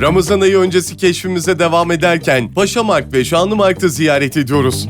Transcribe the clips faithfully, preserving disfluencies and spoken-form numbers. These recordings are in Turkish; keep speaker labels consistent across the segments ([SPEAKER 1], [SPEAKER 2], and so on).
[SPEAKER 1] Ramazan ayı öncesi keşfimize devam ederken Paşamarkt ve Şanlımarkt'ı ziyaret ediyoruz.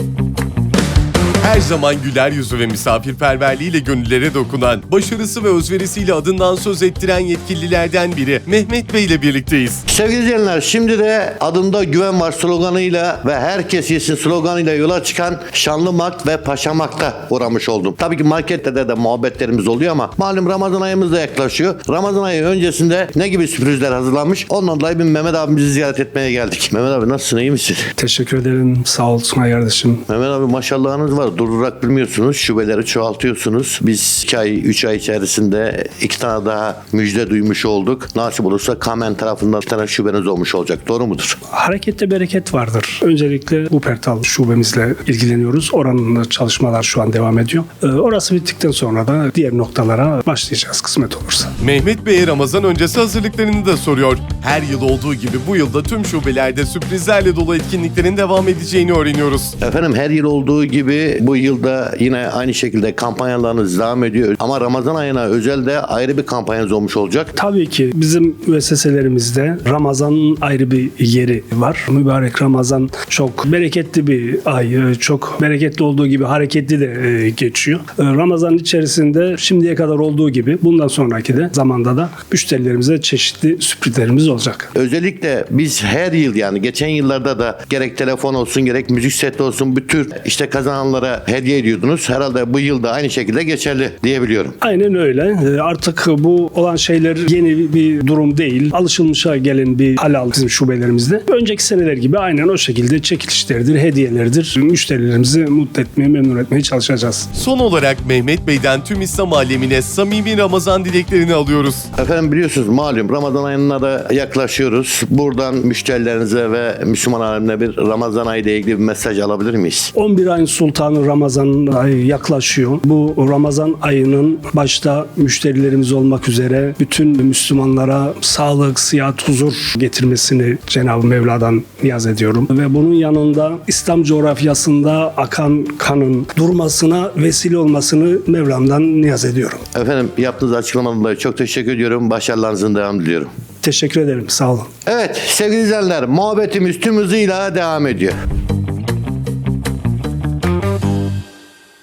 [SPEAKER 1] Her zaman güler yüzü ve misafirperverliğiyle gönüllere dokunan, başarısı ve özverisiyle adından söz ettiren yetkililerden biri Mehmet Bey ile birlikteyiz.
[SPEAKER 2] Sevgili izleyenler, şimdi de adımda güven var sloganıyla ve herkes yesin sloganıyla yola çıkan Şanlımarkt ve Paşamarkt'a uğramış oldum. Tabii ki markette de, de muhabbetlerimiz oluyor ama malum Ramazan ayımız da yaklaşıyor. Ramazan ayı öncesinde ne gibi sürprizler hazırlanmış? Ondan dolayı bir Mehmet abimizi ziyaret etmeye geldik. Mehmet abi nasılsın, iyi misin?
[SPEAKER 3] Teşekkür ederim. Sağ olsun kardeşim.
[SPEAKER 2] Mehmet abi maşallahınız var. Durdurarak bilmiyorsunuz. Şubeleri çoğaltıyorsunuz. Biz iki ay, üç ay içerisinde iki tane daha müjde duymuş olduk. Nasip olursa Kamen tarafından bir tane şubeniz olmuş olacak. Doğru mudur?
[SPEAKER 3] Harekette bereket vardır. Öncelikle Wuppertal şubemizle ilgileniyoruz. Oranın çalışmalar şu an devam ediyor. Ee, orası bittikten sonra da diğer noktalara başlayacağız kısmet olursa.
[SPEAKER 1] Mehmet Bey'e Ramazan öncesi hazırlıklarını da soruyor. Her yıl olduğu gibi bu yılda tüm şubelerde sürprizlerle dolu etkinliklerin devam edeceğini öğreniyoruz.
[SPEAKER 2] Efendim her yıl olduğu gibi bu yılda yine aynı şekilde kampanyalarınız devam ediyor. Ama Ramazan ayına özel de ayrı bir kampanyanız olmuş olacak.
[SPEAKER 3] Tabii ki bizim müesseselerimizde Ramazan'ın ayrı bir yeri var. Mübarek Ramazan çok bereketli bir ay. Çok bereketli olduğu gibi hareketli de geçiyor. Ramazan içerisinde şimdiye kadar olduğu gibi bundan sonraki de zamanda da müşterilerimize çeşitli sürprizlerimiz olacak.
[SPEAKER 2] Özellikle biz her yıl, yani geçen yıllarda da gerek telefon olsun gerek müzik seti olsun bu tür işte kazananlara hediye ediyordunuz. Herhalde bu yıl da aynı şekilde geçerli diyebiliyorum.
[SPEAKER 3] Aynen öyle. Artık bu olan şeyler yeni bir durum değil. Alışılmışa gelen bir hal aldı bizim şubelerimizde. Önceki seneler gibi aynen o şekilde çekilişlerdir, hediyelerdir. Müşterilerimizi mutlu etmeye, memnun etmeye çalışacağız.
[SPEAKER 1] Son olarak Mehmet Bey'den tüm İslam alemine samimi Ramazan dileklerini alıyoruz.
[SPEAKER 2] Efendim biliyorsunuz malum Ramazan ayına da yaklaşıyoruz. Buradan müşterilerinize ve Müslüman alemine bir Ramazan ayı ile ilgili bir mesaj alabilir miyiz?
[SPEAKER 3] on bir ayın sultanı Ramazan ayı yaklaşıyor. Bu Ramazan ayının başta müşterilerimiz olmak üzere bütün Müslümanlara sağlık, sıhhat, huzur getirmesini Cenab-ı Mevla'dan niyaz ediyorum. Ve bunun yanında İslam coğrafyasında akan kanın durmasına vesile olmasını Mevlam'dan niyaz ediyorum.
[SPEAKER 2] Efendim yaptığınız açıklamadan dolayı çok teşekkür ediyorum. Başarılarınızın devamını diliyorum.
[SPEAKER 3] Teşekkür ederim. Sağ olun.
[SPEAKER 2] Evet sevgili izleyenler, muhabbetimiz tüm hızıyla devam ediyor.